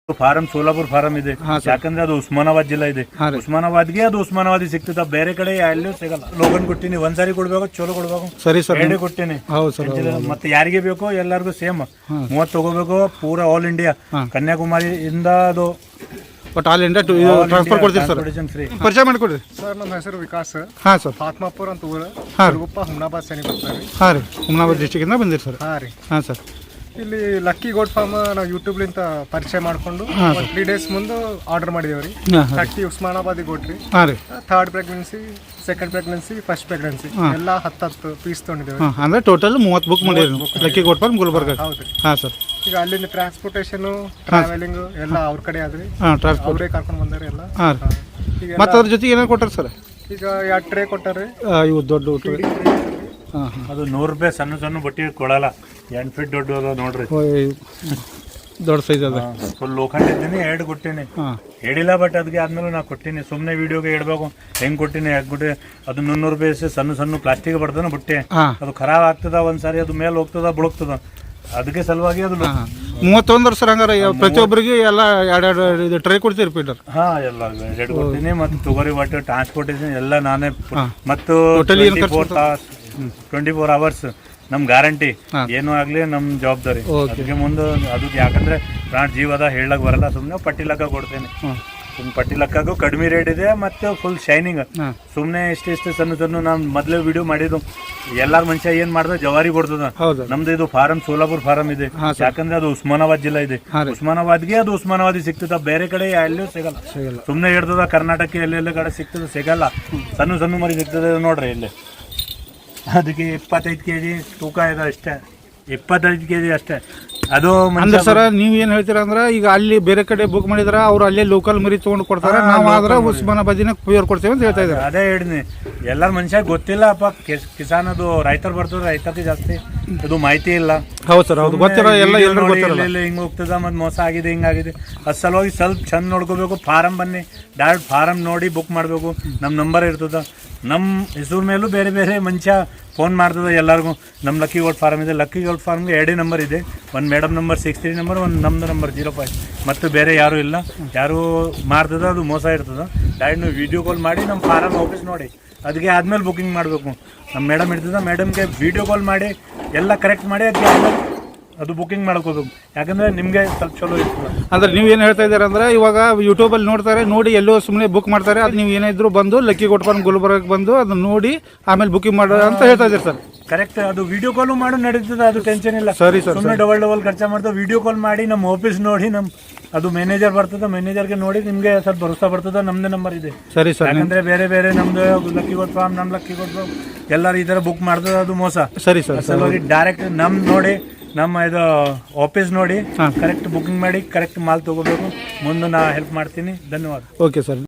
Form Solapur form ಇದೆ. ಯಾಕಂದ್ರೆ ಅದು ಉಸ್ಮಾನಾಬಾದ್ ಜಿಲ್ಲಾ ಇದೆ. ಉಸ್ಮಾನಾಬಾದ್ಗೆ ಅದು ಉಸ್ಮಾನಾಬಾದ್ ಸಿಗ್ತದ, ಬೇರೆ ಕಡೆ ಎಲ್ಲೂ ಸಿಗಲ್ಲ. ಲೋಗನ್ ಕೊಟ್ಟಿನಿ, ಒಂದ್ಸಾರಿ ಕೊಡ್ಬೇಕು, ಚಲೋ ಕೊಡ್ಬೇಕು. ಸರಿ ಸರ್, ಎರಡೇ ಕೊಟ್ಟಿನಿ. ಮತ್ತೆ ಯಾರಿಗೆ ಬೇಕೋ ಎಲ್ಲರಿಗೂ ಸೇಮ್ 30 ತಗೋಬೇಕು. ಪೂರಾ ಆಲ್ ಇಂಡಿಯಾ, ಕನ್ಯಾಕುಮಾರಿ ಇಂದ ಅದು ಬಟ್ ಆಲ್ ಇಂಡಿಯಾ ಟ್ರಾನ್ಸ್ಫರ್ ಕೊಡ್ತೀವಿ ಸರ್. ಪರಿಚಯ ಮಾಡಿಕೊಡ್ರಿ ಸರ್. ನಮ್ಮ ಹೆಸರು ವಿಕಾಸ್. ಹಾಂ ಸರ್. ಫಾತ್ಮಾಪುರ್ ಅಂತ ಊರು. ಹುಮ್ನಾಬಾದ್ ಸನಿ ಬರ್ತಾರೆ. ಹಾಂ ರೀ, ಹುಮ್ನಾಬಾದ್ ಡಿಸ್ಟಿಕ್ಕಿಂದ ಬಂದಿರಿ ಸರ್. ಹಾಂ ರೀ. ಹಾಂ ಸರ್. ಇಲ್ಲಿ ಲಕ್ಕಿ ಗೋಟ್ ಫಾರ್ಮ್ ನಾವು ಯೂಟ್ಯೂಬ್ಲಿಂದ ಪರಿಚಯ ಮಾಡ್ಕೊಂಡು 3 days ಮುಂದೆ ಆರ್ಡರ್ ಮಾಡಿದೇವೆ ರೀ. 30 ಉಸ್ಮಾನಾಬಾದಿ ಗೋಟ್ ರೀ. ಹಾಂ ರೀ. 3rd pregnancy, 2nd pregnancy, 1st pregnancy ಎಲ್ಲ 10 ಪೀಸ್ ತೊಗೊಂಡಿದ್ದೇವೆ. ಅಂದರೆ ಟೋಟಲ್ 30 ಬುಕ್ ಮಾಡಿರಿ ಲಕ್ಕಿ ಗೋಟ್ ಫಾರ್ಮ್ ಗುಲ್ಬರ್ಗ. ಹೌದು. ಹಾಂ ಸರ್. ಈಗ ಅಲ್ಲಿಂದ ಟ್ರಾನ್ಸ್ಪೋರ್ಟೇಷನು, ಟ್ರಾವೆಲಿಂಗ್ ಎಲ್ಲ ಅವ್ರ ಕಡೆ ಆದ್ರಿ. ಅವರೇ ಕರ್ಕೊಂಡು ಬಂದಾರೆ ಎಲ್ಲ. ಹಾಂ ರೀ. ಮತ್ತು ಅದ್ರ ಜೊತೆಗೆ ಏನೇನು ಕೊಟ್ಟಾರೆ ಸರ್? ಈಗ 2 ಟ್ರೇ ಕೊಟ್ಟಾರೆ. ಇವು ದೊಡ್ಡ ಟ್ರೇ. ಹಾಂ ಹಾಂ. ಅದು 100 ರೂಪಾಯಿ ಸಣ್ಣ ಸಣ್ಣ ಬಟ್ಟಿ ಕೊಡಲ್ಲ. 8 ಫೀಟ್ ದೊಡ್ಡ ಅದ ನೋಡ್ರಿ, ದೊಡ್ಡ ಸೈಜ್ ಅದ. ಫುಲ್ ಲೋಖಂಡ್ ಇದ್ದೀನಿ. 2 ಕೊಟ್ಟಿನಿ, ಹೇಳಿಲ್ಲ. ಬಟ್ ಅದಕ್ಕೆ ಆದ್ಮೇಲೆ ನಾ ಕೊಟ್ಟಿನಿ. ಸುಮ್ಮನೆ ವಿಡಿಯೋಗೆ ಹೇಳ್ಬೇಕು ಹೆಂಗ್ ಕೊಟ್ಟಿನಿ, ಯಾಕೆ ಕೊಟ್ಟಿ. ಅದು 100 ರೂಪಾಯಿ ಸಣ್ಣ ಸಣ್ಣ ಪ್ಲಾಸ್ಟಿಕ್ ಬರ್ತದ ಬಟ್ಟೆ. ಅದು ಖರಾಬ್ ಆಗ್ತದ, ಒಂದ್ಸಾರಿ ಅದು ಮೇಲೆ ಹೋಗ್ತದ, ಬುಡಕ್ತದ. ಅದಕ್ಕೆ ಸಲುವಾಗಿ ಅದು 31 ಸರ್. ಹಂಗಾರೆ ಪ್ರತಿಯೊಬ್ಬರಿಗೆ ಎಲ್ಲ 2 ಟ್ರೈ ಕೊಡ್ತೀರಿ ಪೀಟರ್? ಹಾ, ಎಲ್ಲ 2 ಕೊಡ್ತೀನಿ. ಮತ್ತು ತೊಗರಿ ಒಟ್ಟು ಟ್ರಾನ್ಸ್ಪೋರ್ಟೇಷನ್ ಎಲ್ಲ ನಾನೇ. ಮತ್ತು 24 hours ನಮ್ ಗ್ಯಾರಂಟಿ. ಏನೂ ಆಗ್ಲಿ ನಮ್ ಜವಾಬ್ದಾರಿ. ಅದಕ್ಕೆ ಮುಂದೆ ಅದಕ್ಕೆ ಯಾಕಂದ್ರೆ ಪ್ರಾಣ ಜೀವದ ಹೇಳಕ್ ಬರಲ್ಲ. ಸುಮ್ನೆ ಪಟ್ಟಿ ಲೆಕ್ಕ ಕೊಡ್ತೇನೆ. ಸುಮ್ಮನೆ ಪಟ್ಟಿ ಲೆಕ್ಕಗೂ ಕಡಿಮೆ ರೇಟ್ ಇದೆ, ಮತ್ತೆ ಫುಲ್ ಶೈನಿಂಗ್. ಸುಮ್ನೆ ಇಷ್ಟು ಸಣ್ಣ ಸಣ್ಣ ನಾನ್ ಮೊದ್ಲೇ ವಿಡಿಯೋ ಮಾಡಿದ್ದು. ಎಲ್ಲಾರ ಮನುಷ್ಯ ಏನ್ ಮಾಡ್ದ, ಜವಾರಿ ಕೊಡ್ತದ. ನಮ್ದು ಇದು ಫಾರಂ ಸೋಲಾಪುರ್ ಫಾರಂ ಇದೆ. ಯಾಕಂದ್ರೆ ಅದು ಉಸ್ಮಾನಾಬಾದ್ ಜಿಲ್ಲಾ ಇದೆ. ಉಸ್ಮಾನಾಬಾದ್ಗೆ ಅದು ಉಸ್ಮಾನಾಬಾದಿ ಸಿಗ್ತದ, ಬೇರೆ ಕಡೆ ಎಲ್ಲೂ ಸಿಗಲ್ಲ. ಸುಮ್ನೆ ಹಿಡ್ತದ ಕರ್ನಾಟಕ ಎಲ್ಲೆಲ್ಲ ಕಡೆ ಸಿಗ್ತದ, ಸಿಗಲ್ಲ. ಸಣ್ಣ ಸಣ್ಣ ಮರಿ ಸಿಗ್ತದೆ ನೋಡ್ರಿ ಇಲ್ಲಿ. ಅದಕ್ಕೆ 25 kg ತೂಕ ಇದೆ ಅಷ್ಟೇ. 25 kg ಅಷ್ಟೇ. ಅದು ಅಂದ್ರೆ ಸರ್, ನೀವ್ ಏನ್ ಹೇಳ್ತೀರಾ ಅಂದ್ರೆ, ಈಗ ಅಲ್ಲಿ ಬೇರೆ ಕಡೆ ಬುಕ್ ಮಾಡಿದ್ರ ಅವ್ರು ಅಲ್ಲೇ ಲೋಕಲ್ ಮರಿ ತಗೊಂಡು ಕೊಡ್ತಾರೆ, ನಾವು ಆದ್ರೆ ಉಸ್ಮಾನಾಬಾದಿನ ಪ್ಯೂರ್ ಕೊಡ್ತೇವೆ ಅಂತ ಹೇಳ್ತಾ ಇದ್ದಾರೆ. ಅದೇ ಹೇಳಿದ್ನಿ. ಎಲ್ಲಾರ ಮನುಷ್ಯ ಗೊತ್ತಿಲ್ಲ ಅಪ್ಪ. ಕಿಸಾನ್ ಅದು ರೈತರು ಬರ್ತದ, ರೈತರಿಗೆ ಜಾಸ್ತಿ ಅದು ಮಾಹಿತಿ ಇಲ್ಲ. ಹೌದು ಸರ್, ಹೌದು. ಗೊತ್ತಿರೋ ಎಲ್ಲ ಎಲ್ಲರೂ ಗೊತ್ತಿರಲ್ಲ. ಹಿಂಗ್ ಹೋಗ್ತದ, ಮತ್ ಮೋಸ ಆಗಿದೆ, ಹಿಂಗಾಗಿದೆ. ಅದ್ ಸಲುವಾಗಿ ಸ್ವಲ್ಪ ಚಂದ ನೋಡ್ಕೋಬೇಕು. ಫಾರಂ ಬನ್ನಿ, ಡೈರೆಕ್ಟ್ ಫಾರಂ ನೋಡಿ ಬುಕ್ ಮಾಡ್ಬೇಕು. ನಮ್ ನಂಬರ್ ಇರ್ತದ. ನಮ್ಮ ಹೆಸರು ಮೇಲೂ ಬೇರೆ ಬೇರೆ ಮನುಷ್ಯ ಫೋನ್ ಮಾಡ್ತದೆ ಎಲ್ಲರಿಗೂ. ನಮ್ಮ ಲಕ್ಕಿ ಗೋಲ್ಡ್ ಫಾರ್ಮ್ ಇದೆ. ಲಕ್ಕಿ ಗೋಲ್ಡ್ ಫಾರ್ಮ್ಗೆ 2 ನಂಬರ್ ಇದೆ. ಒಂದು ಮೇಡಮ್ ನಂಬರ್ 63 ನಂಬರ್, ಒಂದು ನಮ್ಮದು ನಂಬರ್ 05. ಮತ್ತು ಬೇರೆ ಯಾರೂ ಇಲ್ಲ. ಯಾರು ಮಾಡ್ತದ ಅದು ಮೋಸ ಇರ್ತದೆ. ಡೈರೆಕ್ಟ್ ನೀವು ವಿಡಿಯೋ ಕಾಲ್ ಮಾಡಿ ನಮ್ಮ ಫಾರಮ್ ಆಫೀಸ್ ನೋಡಿ, ಅದಕ್ಕೆ ಆದ್ಮೇಲೆ ಬುಕಿಂಗ್ ಮಾಡಬೇಕು. ನಮ್ಮ ಮೇಡಮ್ ಇರ್ತದೆ, ಮೇಡಮ್ಗೆ ವಿಡಿಯೋ ಕಾಲ್ ಮಾಡಿ ಎಲ್ಲ ಕರೆಕ್ಟ್ ಮಾಡಿ ಅದಕ್ಕೆ ಆದ್ಮೇಲೆ ಅದು ಬುಕಿಂಗ್ ಮಾಡ್ಕೋಬೇಕು. ಯಾಕಂದ್ರೆ ನಿಮಗೆ ಸ್ವಲ್ಪ ಚಲೋ ಇರ್ತದೆ. ಅಂದ್ರೆ ನೀವು ಏನು ಹೇಳ್ತಾ ಇದ್ದೀರಾ ಅಂದ್ರೆ, ಇವಾಗ ಯೂಟ್ಯೂಬಲ್ಲಿ ನೋಡ್ತಾರೆ, ನೋಡಿ ಎಲ್ಲೋ ಸುಮ್ಮನೆ ಬುಕ್ ಮಾಡ್ತಾರೆ. ಅದು ನೀವು ಏನಾದ್ರು ಬಂದು ಲಕ್ಕಿ ಗೋಟ್ ಫಾರ್ಮ್ ಗುಲ್ಬರ್ಗ ಬಂದು ಅದನ್ನ ನೋಡಿ ಆಮೇಲೆ ಬುಕಿಂಗ್ ಮಾಡೋ ಅಂತ ಹೇಳ್ತಾ ಇದ್ದೀರಿ ಸರ್. ಕರೆಕ್ಟ್. ಅದು ವಿಡಿಯೋ ಕಾಲು ಮಾಡು ನಡೀತದೆ, ಅದು ಟೆನ್ಷನ್ ಇಲ್ಲ. ಸರಿ ಸರ್. ಸುಮ್ಮನೆ ಡಬಲ್ ಖರ್ಚು ಮಾಡ್ತಾ ವಿಡಿಯೋ ಕಾಲ್ ಮಾಡಿ ನಮ್ಮ ಆಫೀಸ್ ನೋಡಿ, ಅದು ಮ್ಯಾನೇಜರ್ ಬರ್ತದೆ, ಮ್ಯಾನೇಜರ್ಗೆ ನೋಡಿ ನಿಮಗೆ ಸ್ವಲ್ಪ ಭರೋಸಾ ಬರ್ತದೆ. ನಮ್ದೇ ನಂಬರ್ ಇದೆ. ಸರಿ ಸರ್. ಯಾಕಂದ್ರೆ ಬೇರೆ ಬೇರೆ ನಮ್ದು ಲಕ್ಕಿ ಗೋಟ್ ಫಾರ್ಮ್, ನಮ್ಮ ಲಕ್ಕಿ ಗೋಟ್ ಫಾರ್ಮ್ ಎಲ್ಲರೂ ಈ ಥರ ಬುಕ್ ಮಾಡ್ತದೆ, ಅದು ಮೋಸ. ಸರಿ ಸರ್. ಸಲುವಾಗಿ ಡೈರೆಕ್ಟ್ ನೋಡಿ, ನಮ್ಮ ಇದು ಆಫೀಸ್ ನೋಡಿ ಕರೆಕ್ಟ್ ಬುಕಿಂಗ್ ಮಾಡಿ ಕರೆಕ್ಟ್ ಮಾಲ್ ತಗೋಬೇಕು. ಮುಂದೆ ನಾ ಹೆಲ್ಪ್ ಮಾಡ್ತೀನಿ. ಧನ್ಯವಾದ. Okay sir.